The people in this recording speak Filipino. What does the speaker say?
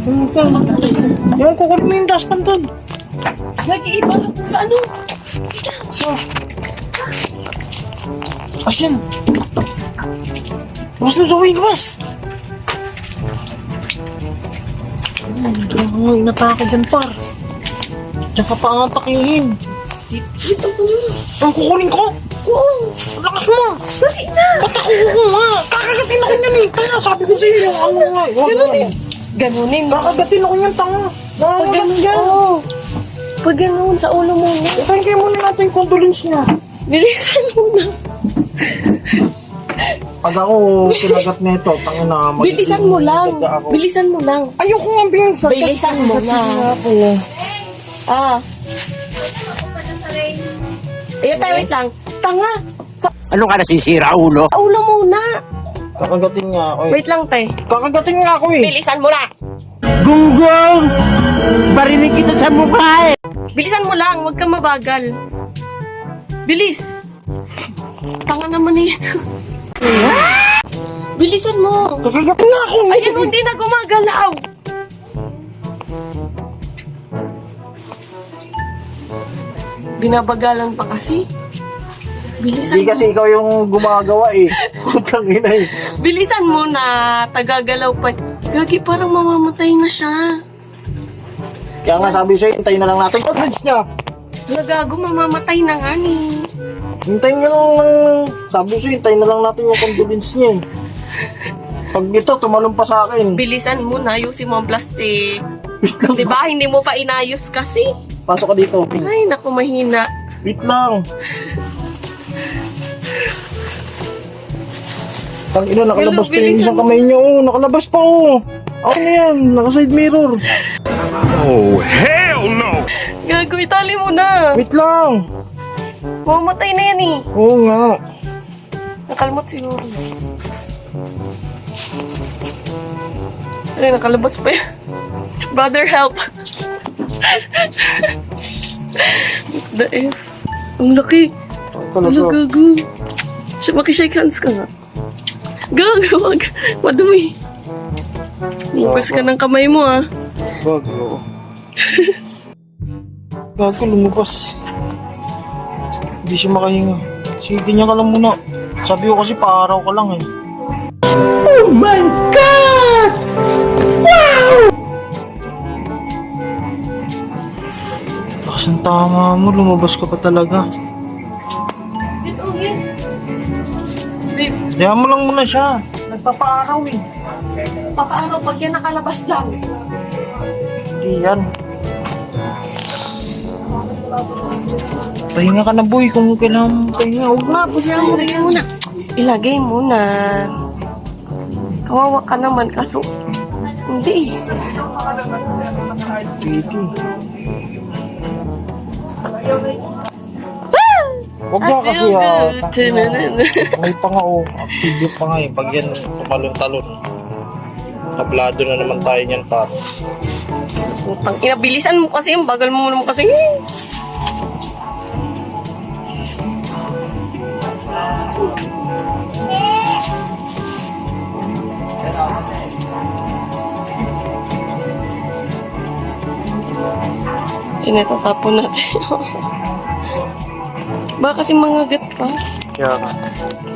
Yung kukunin mo yung dustpan doon. Nag-iiba lang kung sa ano. So, asin. Mas na Zoe, mas. Hindi mo inatake dyan, par. Diyan ka pa ang pakihin. Dito ko na. Ang kukunin ko? Oo. Lakas mo. Dali na. Ba't ako kukuha? Kakagatin ako yan eh. Kaya sabi ko sa'yo yung ano nga. Ganunin. Ganunin. Kakagatin ako yan, tanga. Pag ganun yan. Oo. Pag ganun, sa ulo muna. Itayin kayo muna natin yung condolence niya. Bilisan muna. Pag ako kinagat nito, tanga na. Bilisan mo lang. Bilisan mo lang. Ayoko nga binsa. Bilisan mo na. Ah. Wait lang. Tanga. Ano ka nasisira, ulo? Sa ulo muna. Kakagatin nga ako eh. Wait lang, te. Kakagatin nga ako eh. Bilisan mo na. Gunggong! Barinig kita sa mukha eh! Bilisan mo lang. Huwag kang mabagal. Bilis. Tanga naman ito. Bilisan mo. Kakagatin nga ako eh. Ayan, hindi na gumagalaw. Binabagalan pa kasi. Bilisan Hindi mo. kasi ikaw yung gumagawa eh. Putang ina eh. Bilisan mo na. Tagagalaw pa. Gagi, parang mamamatay na siya. Kaya nga sabi sa'yo, hintayin na lang natin condolence niya. Nagago, mamamatay na nga ni. Hintayin niya lang. Sabi sa'yo, hintayin na lang natin yung condolence niya eh. Pag ito, tumalong pa sa akin. Bilisan mo na. Ayusin mo ang plastic. Diba? Hindi mo pa inayos kasi. Pasok ka dito. Ay, naku, mahina. Wait lang. Tang ina, nakalabas pa yung Bilisan isang mo. kamay niyo. Oh, nakalabas pa oh. Ako na yan, naka-side mirror. Oh, hell no! Gago, itali mo na. Wait lang. Mamamatay na yan eh. Oo nga. Nakalmot siguro. Ay, nakalabas pa yan. Brother, help. The F. Ang laki. Ano, Talaga. gago. Makishake hands ka nga. Gago, wag. Madumi. Hugas ka ng kamay mo, ah. Gago. Gago, lumabas. Hindi siya makahinga. Sige, ganyan ka lang muna. Sabi ko kasi paaraw ka lang eh. Oh my God! Wow! Lakas ang tama mo, lumabas ka pa talaga. Ito, yan. Babe, Kaya mo lang muna siya. Nagpapaaraw eh. papaano pag yan nakalabas lang? Hindi yan. Pahinga ka na boy kung kailangan mo pahinga. Huwag na, pahinga mo na yan. Muna. Ilagay mo na. Kawawa ka naman, kaso hindi. Pwede. Huwag nga kasi may pa nga oh. Active pa nga eh. Pag yan tumalon-talon. Tablado na naman tayo niyan pa. Putang ina, bilisan mo kasi, ang bagal mo naman kasi. Inatatapon natin. Baka kasi mga gat pa. Kaya nga.